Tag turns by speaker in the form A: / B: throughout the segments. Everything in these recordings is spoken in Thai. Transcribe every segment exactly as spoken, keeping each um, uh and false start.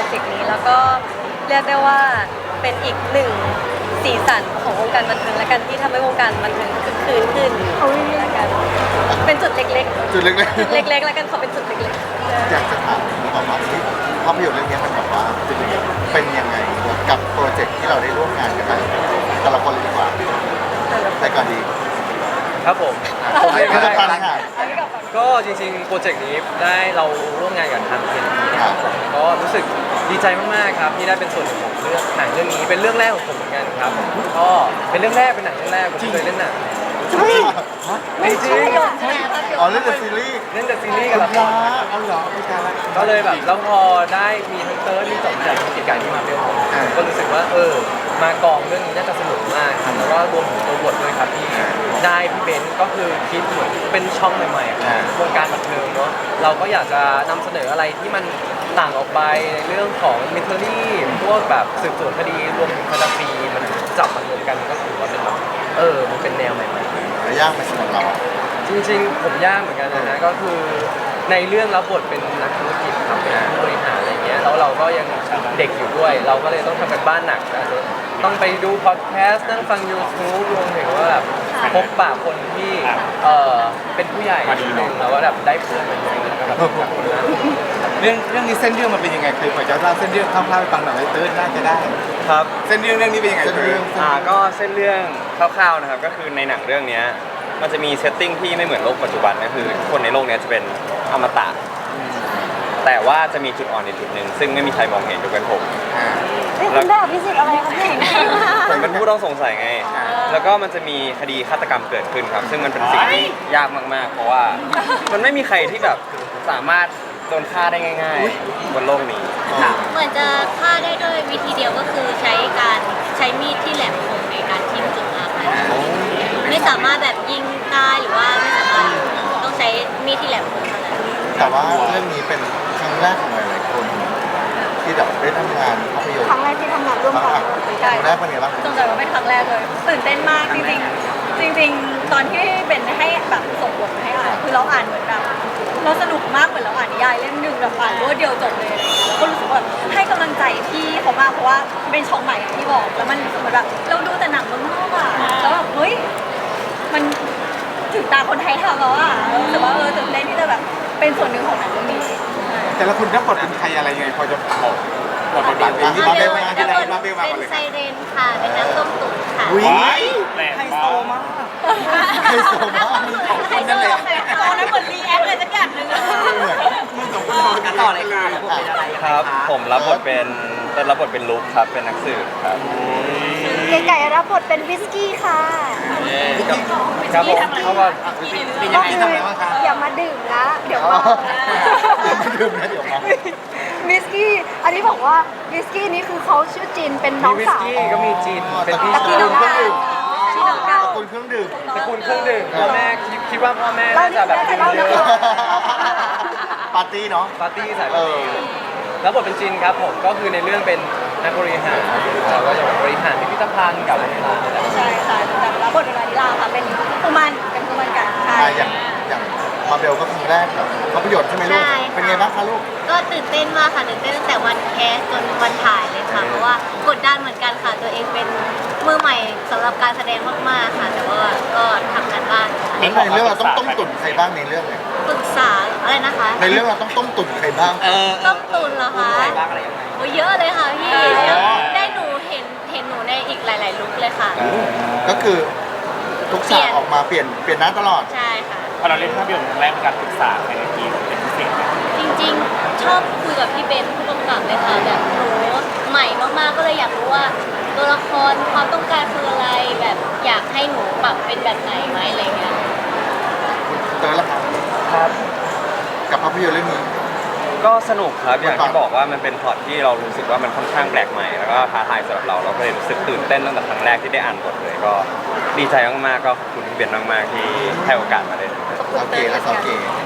A: เจกต์นี้แล้วก็เรียกได้ว่าเป็นอีกหนึ่งสีสันของวงการบันเทิงและกันที่ทำให้วงการบันเทิงคึกคืนขึ้นแล้วกันเป็นจุดเล็กๆ
B: จุดเล็ก
A: จุดเล็กๆแล้วกันขอเป็นจุดเล็ก
B: ๆอยากจะถามออกมาที่ภาพยนตร์เรื่องนี้มันแบบว่าเป็นยังไงกับโปรเจกต์ที่เราได้ร่วมงานกันมาแต่ละคนเลยดีกว่าไปก่อนดี
C: ครับผมผมไม่
B: ไม่
C: ได้
B: ต้องการค่ะ
C: ก็จริงๆโปรเจกต์นี้ได้เราร่วมงานกับทางเคนนะครับผมก็รู้สึกดีใจมากๆครับที่ได้เป็นส่วนหนึ่งของเรื่องหนังเรื่องนี้เป็นเรื่องแรกของผมเหมือนกันครับก็เป็นเรื่องแรกเป็นหนังเรื่องแรกผมเคยเล่นหนัง
A: ไม่ใช่
B: อ๋อเล่นแต่ซีรีส์
C: เล่นแต่ซีรีส์กับละคร
B: เอาเหรอไม่ใช่ละ
C: ก็เลยแบบแล้วพอได้มีทั้งเติร์ดมีสองจากกิจการที่มาเบลผมก็รู้สึกว่าเออมากองเรื่องนี้น่าจะสนุกมากครับแล้วก็รวมถึงตัวบทด้วยครับที่ได้พี่เบนซ์ก็คือคิดเหมือนเป็นช่องใหม่ๆของวงการบันเทิงเนาะเราก็อยากจะนำเสนออะไรที่มันต่างออกไปในเรื่องของมิทเทอรี่พวกแบบสืบสวนคดีรวมถึงแฟนตาซีมันจับมารวมกันก็ถือว่าเป็นแบบเออมันเป็นแนวใหม่ๆ
B: แต่ยากไหมสำหรับเราอ่ะ
C: จริงๆผมยากเหมือนกันนะฮะก็คือในเรื่องรับบทเป็นนักธุรกิจครับเป็นผู้บริหารอะไรเงี้ยแล้วเราก็ยังเด็กอยู่ด้วย เราก็เลยต้องทำกันบ้านหนักอาจจะต้องไปดูพอดแคสต์นั่งฟัง YouTube รวมถึงว่าแบบพบปะคนที่เออเป็นผู้ใหญ่นิดนึงแล้วก็แบบได้เพื่อนมาเยอะแล้วก็แบบจากคนนั้น
D: เรื่องเรื่องนี้เส้นเรื่องมันเป็นยังไงคือพอจะเล่าเส้นเรื่องคร่าวๆให้ฟังหน่อยเติร์ดน่าจะได้
E: ครับ
D: เส้นเรื่องเรื่องนี้เป็นยังไง
B: เส้นเรื่อง
E: อ่าก็เส้นเรื่องคร่าวๆนะครับก็คือในหนังเรื่องนี้มันจะมีเซตติ้งที่ไม่เหมือนโลกปัจจุบันก็คือคนในโลกนี้จะเป็นอมตะแต่ว่าจะมีจุดอ่อนในจุดหนึ่งซึ่งไม่มีใครมองเห็นยกเว้นผม
A: คุณได้พิสิทธิ์อะไรคะเนี่ย
E: ผมเป็นผู้ต้องสงสัยไง แล้วก็มันจะมีคดีฆาตกรรมเกิดขึ้นครับ ซึ่งมันเป็นสิ่งที่ยากมากๆ เพราะว่ามันไม่มีใครที่แบบสามารถโดนฆ่าได้ง่ายๆบนโลกนี้
F: เหมือนจะฆ่าได้ด้วยวิธีเดียวก็คือใช้การใช้มีดที่แหลมคมในการทิ่มจุดอาฆาตไม่สามารถแบบยิงได้หรือว่าไม่สามารถต้องใช้มีดที่แหลมคมเท่านั้น
B: แต่ว่าเรื่องนี้เป็นครั้งแรกของหลายๆคน ที่แบบได้ทำงานภาพยนตร์
A: ครั้งแรกที่ทำงานร่วมกัน
B: ครั้งแรกเป็นไงบ้าง
A: สงสัยว่าเป็นครั้งแรกเลยตื่นเต้นมากจริงๆจริงๆ ตอนที่เบนให้แบบส่งบทมาให้อ่านคือเราอ่านเหมือนแบบเราสนุกมากเหมือนเราอ่านนิยายเล่มหนึ่งแบบอ่านรวดเดียวจบเลยอะไรอย่างเงี้ยแล้วก็รู้สึกว่าให้กำลังใจพี่เขามากเพราะว่าเป็นช่องใหม่อย่างที่บอกแล้วมันเหมือนแบบเราดูแต่หนังเมืองนอกอะแล้วแบบเฮ้ยมันถึงตาคนไทยทำแล้วอะรู้สึกว่าเออตื่นเต้นที่จะแบบเป็นส่วนหนึ่งของหนังเรื่องนี้
D: แต่ละคนรับบทเป็นใครอะไรยังไงพอจะบอกบอกบทบาทเอง
B: มาเบล
D: มา
B: มา
D: ที่ไหน
F: เป็น
D: มาเบลมาก่อนเลย
F: ไซเรนค่ะ เป็นน้ำต้มตุ๋นค่ะ
B: อุ้ย
D: ไฮโซมาก
B: ไฮโซมาก
F: ไฮโซตอนนั้นเหมือนรีแอคเลยสักอย่างหนึ่งอะ
D: มึงสองคนกันต่อเลยค่ะ
E: ครับ ผมรับบทเป็นเป็นรับบทเป็นลุคครับ เป็นนักสืบครับ
A: ไก่ไก่รับบทเป็นวิสกี้ค่ะ
C: ครับผมเขาก็
D: เป็นยังไงทำอะไรบ้างคะ
A: อย่ามาดื่มนะเดี๋ยว
B: อ๋อ
A: เมา
B: ไม่ดื่มนะเดี๋ยวมา
A: วิสกี้อันนี้บอกว่าวิสกี้นี่คือเขาชื่อจินเป็นน้อง
C: มีวิส
A: สาว
C: กี้ก็มีจีนเป็นพี่
A: ตระกู
C: ชา
A: ล
C: ย
A: น้องสาวชื่อน้องสาว
B: คนเครื่องดื่ม
C: ตระกูลเครื่องดื่มพ่อแม่คิดคิดว่าพ่อแม่
A: เรา
C: น่าจะแบบ
A: นี่
C: กิน
A: น่าจะ
C: เย
A: เล่า
C: อะ
B: ปาร์ตี้เนาะ
C: ปาร์ตี้สาย
B: เอ
C: ปาร์
B: อ
C: ตี้แล้วบทเป็นจินครับผมก็คือในเรื่องเป็นนักบริหารเราก็จะบริหารพิพิธภัณฑ์กับเวลา
A: ใช่ค่ะแต่รับบทเป็นวานิลาค่ะเป็นกุมันเป็นกุมันกันใช่
B: อ่ะอย่างอย่างมาเบลก็ครั้งแรกแบบภาพยนตร์ใช่ไหมลูก
F: ใช่
B: เป็นไงบ้างคะลูก
F: ก็ตื่นเต้นมากค่ะตื่นเต้นตั้งแต่วันแคสจนวันถ่ายเลยค่ะ เพราะว่ากดดันเหมือนกันค่ะ ตัวเองเป็นมือใหม่สำหรับการแสดงมากๆค่ะ แต่ว่าก็ทำกันบ้านค่ะ
B: ในเรื่องเราต้องต้มตุ๋นใครบ้างในเรื่องเนี่ย
F: ปรึกษาอะไรนะคะ
B: ในเรื่องเราต้องต้มตุ๋นใครบ้าง
F: ต้มตุนเหรอคะโอ้ยเยอะเลยค่ะพี่ได้หนูเห็นเห็นหนูในอีกหลาย ๆ ลุคเลยค่ะ
B: ก็คือทุกฉากออกมาเปลี่ยนเปลี่ยนหน้าตลอด
F: ใช่ค่ะ
G: พอเราเล่นภาพยนตร์ครั้งแรกมีการปรึกษาในทีมเป็นพิเศษไหม
F: จริงๆ ชอบคุยกับพี่เบนผู้กำกับเลยค่ะแบบหนูใหม่มากๆก็เลยอยากรู้ว่าตัวละครความต้องการคืออะไรแบบอยากให้หนูปรับเป็นแบบไหนไหมอะไรเงี้ย
B: เตอร์ละครับ
C: ครับ
B: กับภาพยนตร์เรื่องนี้
E: ก็สนุกครับอย่างที่บอกว่ามันเป็นพล็อตที่เรารู้สึกว่ามันค่อนข้างแปลกใหม่แล้วก็ท้าทายสำหรับเราเราก็เลยรู้สึกตื่นเต้นตั้งแต่ครั้งแรกที่ได้อ่านบทเลยก็ดีใจมากๆก็ขอบคุณพี่เบนมากๆที่ให้โอกาสมาเล่น
B: โอเคและโอเค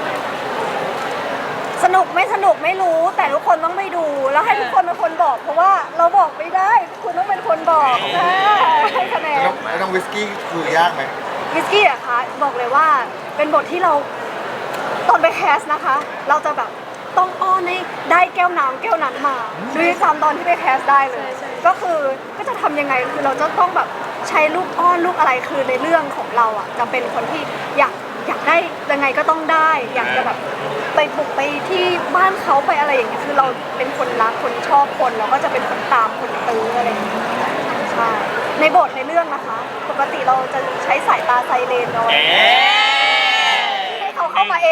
A: สนุกไม่สนุกไม่รู้แต่ทุกคนต้องไปดูแล้วให้ทุกคนเป็นคนบอก เพราะว่าเราบอกไม่ได้คุณต้องเป็นคนบอกอ่าให้คะแนน
B: แล้วแล้วน้องวิสกี้คือยากไหม
A: วิสกี้อะคะบอกเลยว่าเป็นบทที่เราตอนไปแคสนะคะ เราจะแบบ
H: ต้องอ้อนให้ได้แก้วน้ำแก้วนั้นมาด้วยซ้ำตอนที่ไปแคสได้เลย ก็คือก็จะทำยังไงคือเราจะต้องแบบใช้ลูกอ้อนลูกอะไรคือในเรื่องของเราอ่ะจะเป็นคนที่อยากอยากได้ยังไงก็ต้องได้ อยากจะแบบไปบุกไปที่บ้านเขาไปอะไรอย่างเงี้ยคือเราเป็นคนรักคนชอบคนเราก็จะเป็นคนตามคนตื้ออะไรอย่างเงี้ยใช่ในบทในเรื่องนะคะ ปกติเราจะใช้สายตาไซเรนเอาไว้ให้เขาเข้ามาเอง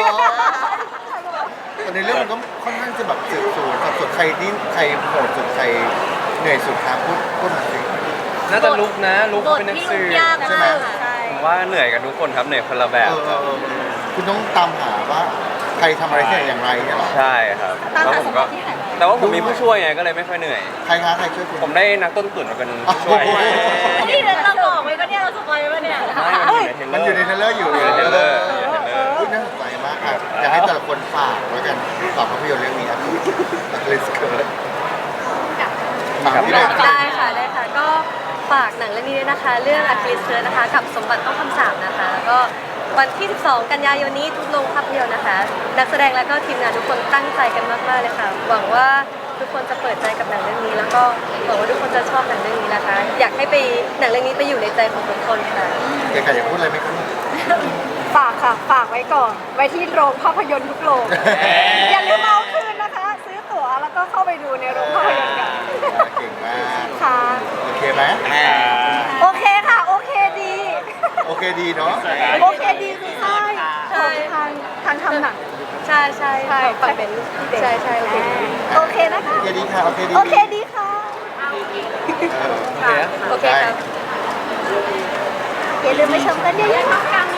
B: แต่ในเรื่องมันก็ค่อนข้างจะแบบสืบสวนสับสนใครนี่ใครโหดสุดใครเหนื่อยสุดครับพูดพูดมาสิ
C: น่าจะลุกนะลุก
F: บท
C: เป็นนัก
F: ที่
C: สื
F: ลุ
C: บ
F: กยาก
B: ใช่ไหม
F: มากค่ะ
A: ใช่
E: ผมว่าเหนื่อยกันทุกคนครับเหนื่อยคนละแบบ
B: เออเออเออคุณต้องตามหาว่าใครทำอะไรที่ไหนอย่างไรเนี่ยหรอ
E: ใช่ครับ
A: ตาม
E: แล้ว
A: หา
E: ผ
A: ส
E: ม
A: ม
E: ก็
A: บัติที่หายไป
E: แต่ว่าผมมีผู้ช่วยไงก็เลยไม่ค่อยเหนื่อย
B: ใครคะใครช่วยคุณ
E: ผมได้นักต้นตุ๋นมาเป็นผู้ช่วย
B: โอ้โห
F: นี่เราบอกไว้ปะเนี่ยเราสปอยไว้ปะเนี่ย
E: ไม่มันอยู่ในเทรลเลอร์
B: มันอยู่ในเทรลเลอร์อยู่
E: อยู่ในเทรลเลอร์
B: พูดน่าสนใจมากครับอยากให้แต่ละคนฝากแล้วกันฝากภาพยนตร์เรื่องนี้ครับเลสเกิร์ตฝากที่ไหน
I: ได้ค่ะได้ค่ะก็ฝากหนังเรื่องนี้ด้วยนะคะ เรื่องอัคลิสเตอร์นะคะ กับสมบัติต้องคำสาปนะคะก็วันที่ สิบสอง กันยายนนี้ทุกโรงภาพยนตร์นะคะ นักแสดงและก็ทีมงานทุกคนตั้งใจกันมากๆเลยค่ะ หวังว่าทุกคนจะเปิดใจกับหนังเรื่องนี้ แล้วก็หวังว่าทุกคนจะชอบหนังเรื่องนี้นะคะ อยากให้ไปหนังเรื่องนี้ไปอยู่ในใจของทุกคนค่ะ
B: เก๋ไก่อยากพูดอะไรไหมครับ
H: ฝากค่ะ ฝากไว้ก่อน ไว้ที่โรงภาพยนตร์ทุกโรง อย่าลืมเอาคืนนะคะ ซื้อตั๋วแล้วก็เข้าไปดูในโรงภาพยนตร์กัน
B: เก่งมาก
H: ค่ะ
B: โอเคไหม
H: โอเคค่ะ โอเคดี
B: โอเคดีเนาะ
H: โอเคดีคือใช่ใช่ทางทางทำหนัง
I: ใช่ใช่
H: ใช่
I: ฝั่งเป็นใช่ใช่โอเค
H: โอเคนะคะ
B: โอเคดีค่ะ โอเคดี
H: โอเคดีค่ะ
B: เออ
C: โอเค
I: โอเคครับ
H: อย่าลืมไปชมกันเยอะๆนะคะ